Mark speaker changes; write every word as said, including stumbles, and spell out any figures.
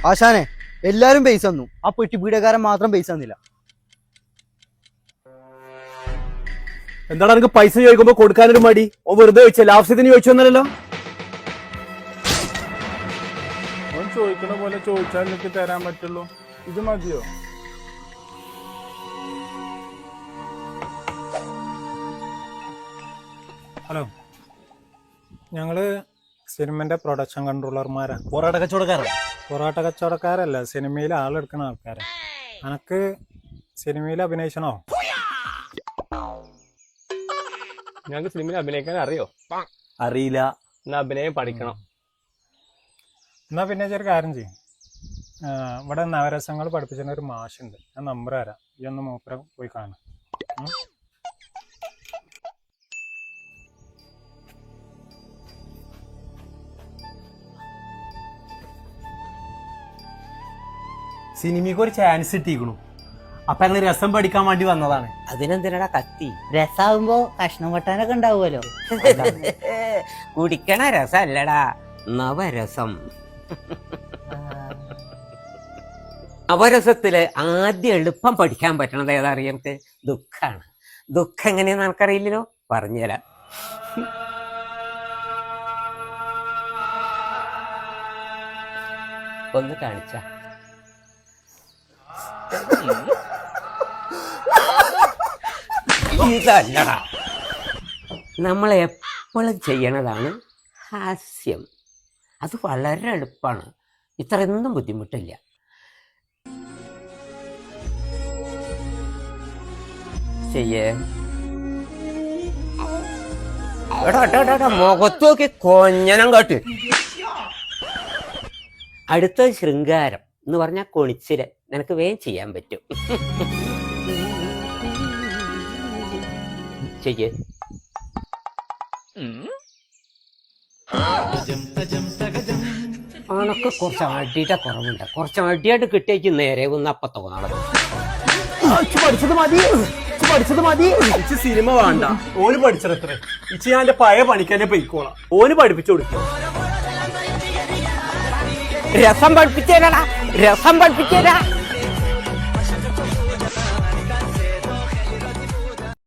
Speaker 1: ആശാനെ എല്ലാരും പൈസ തന്നു, ആ പെട്ടി പീഡകാരൻ മാത്രം പൈസ തന്നില്ല.
Speaker 2: എന്താണ് എനിക്ക് പൈസ ചോദിക്കുമ്പോ കൊടുക്കാനൊരു മടി? ഓ വെറുതെ ചോദിച്ചല്ലേ, ആവശ്യത്തിന് ചോദിച്ചൊന്നല്ലോ.
Speaker 3: ഓൻ ചോദിക്കണ പോലെ ചോദിച്ചാൽ എനിക്ക് തരാൻ പറ്റുള്ളൂ. ഇത് മതിയോ?
Speaker 4: ഹലോ, ഞങ്ങള് സിനിമന്റെ പ്രൊഡക്ഷൻ കൺട്രോളർമാരാണ്.
Speaker 2: പൊറാട്ട കച്ചവടക്കാരൻ?
Speaker 4: പൊറാട്ട കച്ചവടക്കാരല്ല, സിനിമയിൽ ആളെടുക്കുന്ന ആൾക്കാരാ. അനക്ക് സിനിമയിൽ അഭിനയിച്ചണോ?
Speaker 5: ഞങ്ങൾക്ക് സിനിമയിൽ അഭിനയിക്കാൻ അറിയോ?
Speaker 2: അറിയില്ല.
Speaker 5: എന്നാ അഭിനയം പഠിക്കണം.
Speaker 4: എന്നാ പിന്നെ ചെറിയ കാര്യം ചെയ്യും, ഇവിടെ നവരസങ്ങൾ പഠിപ്പിച്ചിരുന്ന ഒരു മാഷുണ്ട്, ഞാൻ നമ്പർ തരാം, ഈ ഒന്ന് മൂപ്പര പോയി കാണാം.
Speaker 2: സിനിമയ്ക്ക് ഒരു ചാൻസ് കിട്ടിയിരിക്കണു, അപ്പൊ ഞങ്ങൾ രസം പഠിക്കാൻ വേണ്ടി വന്നതാണ്.
Speaker 6: അതിനെന്തിനാ കത്തി?
Speaker 7: രസാവുമ്പോ കഷ്ണം വെട്ടാനൊക്കെ ഉണ്ടാവുമല്ലോ.
Speaker 6: കുടിക്കണ രസല്ലടാ, നവരസം. നവരസത്തില് ആദ്യം എളുപ്പം പഠിക്കാൻ പറ്റണത് ഏതാ അറിയാം? നമുക്ക് ദുഃഖാണ്. ദുഃഖം എങ്ങനെയാന്ന് നമുക്കറിയില്ലല്ലോ, പറഞ്ഞുതരാം. ഒന്ന് കാണിച്ച ഇതല്ലടാ, നമ്മൾ എപ്പോഴും ചെയ്യണതാണ് ഹാസ്യം. അത് വളരെ എളുപ്പമാണ്, ഇത്രയൊന്നും ബുദ്ധിമുട്ടില്ല. ചെയ്യേ എടാ എടാ എടാ മുഖത്ത് നോക്കി കൊഞ്ഞനം കാട്ട്. അടുത്ത ശൃംഗാരം എന്ന് പറഞ്ഞാൽ കൊണിച്ചില്, നിനക്ക് വേഗം ചെയ്യാൻ പറ്റും. ചെയ്യേ. അണക്ക് കുറച്ച് അടിയുടെ കുറവുണ്ട്, കുറച്ച് അടിയായിട്ട് കിട്ടിയേക്ക് നേരെ ഒന്ന് അപ്പൊ തോന്നണം.
Speaker 2: പഠിച്ചത് മതി, പഠിച്ചത് മതി. ഇച്ച് സിനിമ വേണ്ട, ഓന് പഠിച്ചത്ര. ഇച്ച് ഞാൻ എന്റെ പഴയ പണിക്കാനെ പൊയ്ക്കോളാം, ഓന് പഠിപ്പിച്ചു കൊടുക്കും.
Speaker 6: രസം പഠിപ്പിച്ചേരാ, രസം പഠിപ്പിച്ചേരാ.